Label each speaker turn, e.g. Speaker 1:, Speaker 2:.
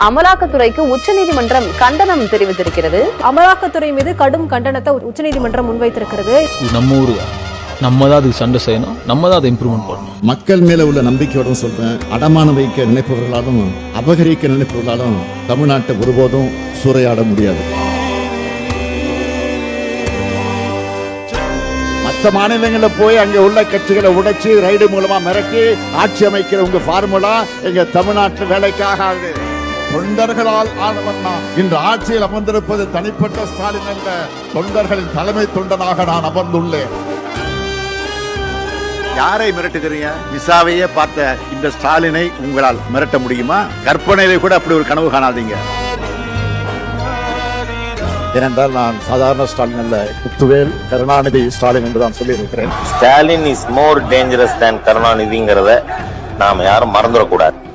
Speaker 1: அமலாக்கத்துறைக்கு உச்சநீதிமன்றம் கண்டனம் தெரிவித்திருக்கிறது.
Speaker 2: அமலாக்கத்துறை மீது கடும் கண்டனத்தை உச்சநீதிமன்றம் முன்வைத்திருக்கிறது.
Speaker 3: நம்ம ஊரு நம்ம தான் அதுக்கு சண்டை செய்யணும், நம்ம தான் அதை இம்ப்ரூவ்மெண்ட் பண்ணணும்.
Speaker 4: மக்கள் மேல உள்ள நம்பிக்கையோட சொல்றேன், அடமானம் வைக்க நினைப்பவர்களாலும் அபகரிக்க நினைப்பவர்களாலும் தமிழ்நாட்டை ஒருபோதும் சூறையாட முடியாது. மற்ற மாநிலங்களில் போய் அங்கே உள்ள கட்சிகளை உடைச்சு ரைடு மூலமா மிரட்டி ஆட்சி அமைக்கிற உங்க ஃபார்முலா எங்க தமிழ்நாட்டு வேலைக்காகாது. தொண்டர்களால் ஆனவன் நான் இன்று ஆட்சியில் அமர்ந்திருப்பது தனிப்பட்ட ஸ்டாலின் அல்ல, தொண்டர்களின் தலைமை தொண்டனாக நான் அமர்ந்துள்ளேன். யாரை மிரட்டுகிறீங்க? விசாவையே பார்த்த இந்த ஸ்டாலினை உங்களால் மிரட்ட முடியுமா? கற்பனையிலே கூட அப்படி ஒரு கனவு காணாதீங்க. ஏனென்றால் நான் சாதாரண ஸ்டாலின் அல்ல, முத்துவேல் கருணாநிதி ஸ்டாலின் என்று தான் சொல்லியிருக்கிறேன்.
Speaker 5: Stalin is more dangerous than கருணாநிதிங்கிறத நாம யாரும் மறந்துடக்கூடாது.